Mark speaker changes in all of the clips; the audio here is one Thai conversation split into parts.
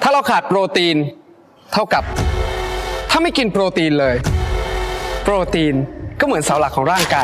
Speaker 1: าเราขาดโปรตีนเท่ากับถ้าไม่กินโปรตีนเลยโปรตีนก็เหมือนเสาหลักของร่างกาย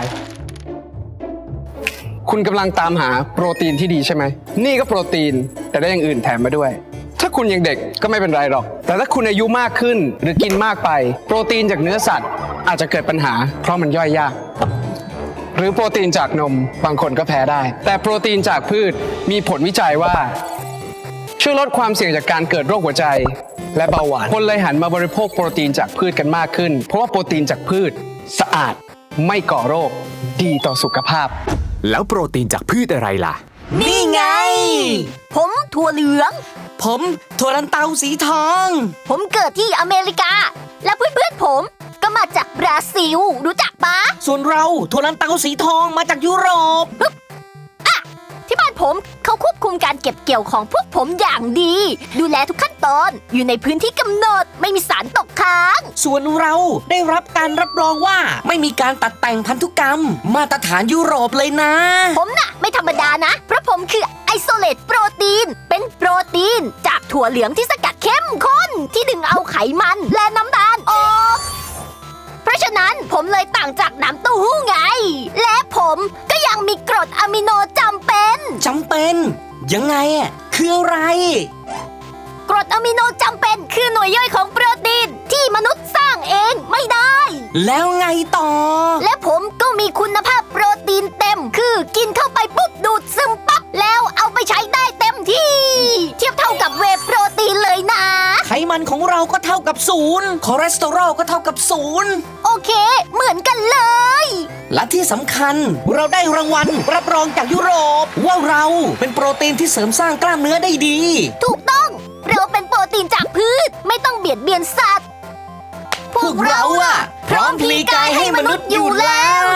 Speaker 1: คุณกำลังตามหาโปรตีนที่ดีใช่ไหมนี่ก็โปรตีนแต่ได้อย่างอื่นแถมมาด้วยถ้าคุณยังเด็กก็ไม่เป็นไรหรอกแต่ถ้าคุณอายุมากขึ้นหรือกินมากไปโปรตีนจากเนื้อสัตว์อาจจะเกิดปัญหาเพราะมันย่อยยากหรือโปรตีนจากนมบางคนก็แพ้ได้แต่โปรตีนจากพืชมีผลวิจัยว่าช่วยลดความเสี่ยงจากการเกิดโรคหัวใจและเบาหวานคนเลยหันมาบริโภคโปรตีนจากพืชกันมากขึ้นเพราะว่าโปรตีนจากพืชสะอาดไม่ก่อโรคดีต่อสุขภาพ
Speaker 2: แล้วโปรตีนจากพืชอะไรล่ะ
Speaker 3: นี่ไงผมถั่วเหลือง
Speaker 4: ผมถั่วลันเตาสีทอง
Speaker 3: ผมเกิดที่อเมริกาและเพื่อนๆผมก็มาจากบราซิลรู้จักปะ
Speaker 4: ส่วนเราถั่วลันเตาสีทองมาจากยุโรป
Speaker 3: ที่บ้านผมเขาควบคุมการเก็บเกี่ยวของพวกผมอย่างดีดูแลทุกขั้นตอนอยู่ในพื้นที่กำหนดไม่มีสารตกค้าง
Speaker 4: ส่วนเราได้รับการรับรองว่าไม่มีการตัดแต่งพันธุกรรมมาตรฐานยุโรปเลยนะ
Speaker 3: ผมน่ะไม่ธรรมดานะเพราะผมคือไอโซเลตโปรตีนเป็นโปรตีนจากถั่วเหลืองที่สกัดเข้มข้นที่ดึงเอาไขมันและน้ำตาลออกเพราะฉะนั้นผมเลยต่างจากน้ำเต้าหู้ไงและผมก็ยังมีกรดอะมิโนจำเป็น
Speaker 4: ยังไงอ่ะคืออะไร
Speaker 3: กรดอะมิโนจำเป็นคือหน่วยย่อยของโปรตีนที่มนุษย์สร้างเองไม่ได้
Speaker 4: แล้วไงต่อ
Speaker 3: และผมก็มีคุณภาพโปรตีนเต็มคือกินเข้าไปปุ๊บดูดซึมปั๊บแล้วเอาไปใช้ได้เต็มที่เทียบเท่ากับเวย์โปรตีนเลยนะ
Speaker 4: ไขมันของเราก็เท่ากับ0คอเลสเตอรอลก็เท่ากับ0
Speaker 3: โอเคเหมือนกันเลย
Speaker 4: และที่สำคัญเราได้รางวัลรับรองจากยุโรปว่าเราเป็นโปรตีนที่เสริมสร้างกล้ามเนื้อได้ดี
Speaker 3: ถูกต้องเราเป็นโปรตีนจากพืชไม่ต้องเบียดเบียนสัตว์
Speaker 4: พวกเราอะพร้อมพลีกายให้มนุษย์อยู่แล้ว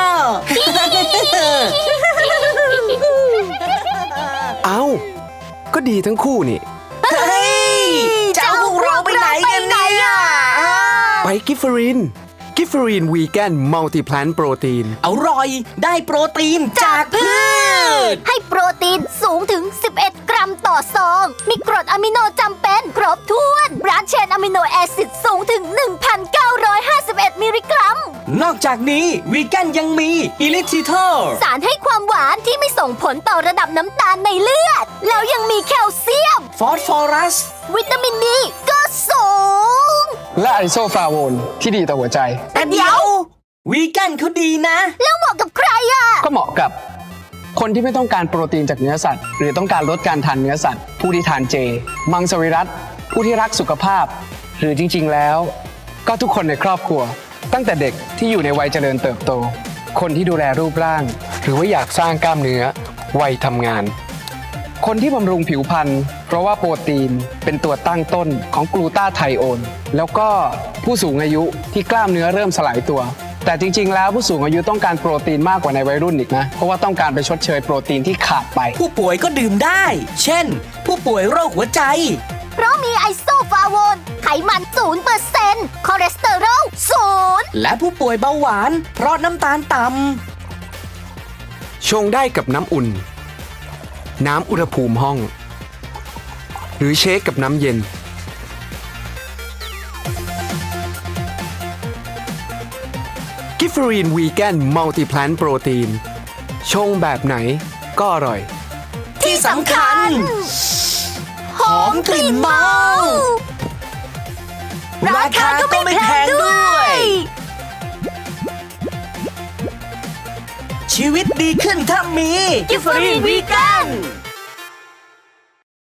Speaker 1: เอ้าก็ดีทั้งคู่นี่
Speaker 4: เฮ้ยจะเอาพวกเราไปไหนกันเนี่ย
Speaker 1: ไปกิฟเฟอรีนวีแกนมัลติแพลนโปรตีน
Speaker 4: อร่อยได้โปรตีนจากพืช
Speaker 3: ให้โปรตีนสูงถึง11 กรัมต่อซองมีกรดอะมิโนจำเป็นครบถ้วนบรานช์เชนอะมิโนแอซิดสูงถึง 1,951 มิลลิกรัม
Speaker 4: นอกจากนี้วีแกนยังมีอิลิทิเทอร์
Speaker 3: สารให้ความหวานที่ไม่ส่งผลต่อระดับน้ำตาลในเลือดแล้วยังมีแคลเซียม
Speaker 4: ฟอสฟอรัส
Speaker 3: วิตามินดีก็สูง
Speaker 1: และไอโซฟลาโวนที่ดีต่อหัวใจ
Speaker 4: แต่เดี๋ยววีแกนเขาดีนะ
Speaker 3: แล้วเหมาะกับใครอ่ะ
Speaker 1: ก็เหมาะกับคนที่ไม่ต้องการโปรตีนจากเนื้อสัตว์หรือต้องการลดการทานเนื้อสัตว์ผู้ที่ทานเจมังสวิรัติผู้ที่รักสุขภาพหรือจริงๆแล้วก็ทุกคนในครอบครัวตั้งแต่เด็กที่อยู่ในวัยเจริญเติบโตคนที่ดูแลรูปร่างหรือว่าอยากสร้างกล้ามเนื้อวัยทำงานคนที่บำรุงผิวพรรณเพราะว่าโปรตีนเป็นตัวตั้งต้นของกลูตาไทโอนแล้วก็ผู้สูงอายุที่กล้ามเนื้อเริ่มสลายตัวแต่จริงๆแล้วผู้สูงอายุต้องการโปรตีนมากกว่าในวัยรุ่นอีกนะเพราะว่าต้องการไปชดเชยโปรตีนที่ขาดไป
Speaker 4: ผู้ป่วยก็ดื่มได้เช่นผู้ป่วยโรคหัวใจ
Speaker 3: เพราะมีไอโซฟลาโวนไขมัน 0% คอเลสเตอรอล 0
Speaker 4: และผู้ป่วยเบาหวานเพราะน้ำตาลต่ำ
Speaker 1: ชงได้กับน้ำอุ่นน้ำอุณหภูมิห้องหรือเชคกับน้ำเย็นกิฟเฟอรีนวีแกนมัลติแพลนโปรตีนชงแบบไหนก็อร่อย
Speaker 4: ที่สำคัญหอมกลิ่นเมาราคาก็ไม่แพงด้วยชีวิตดีขึ้นถ้ามีกิฟเฟอรีนวีแกน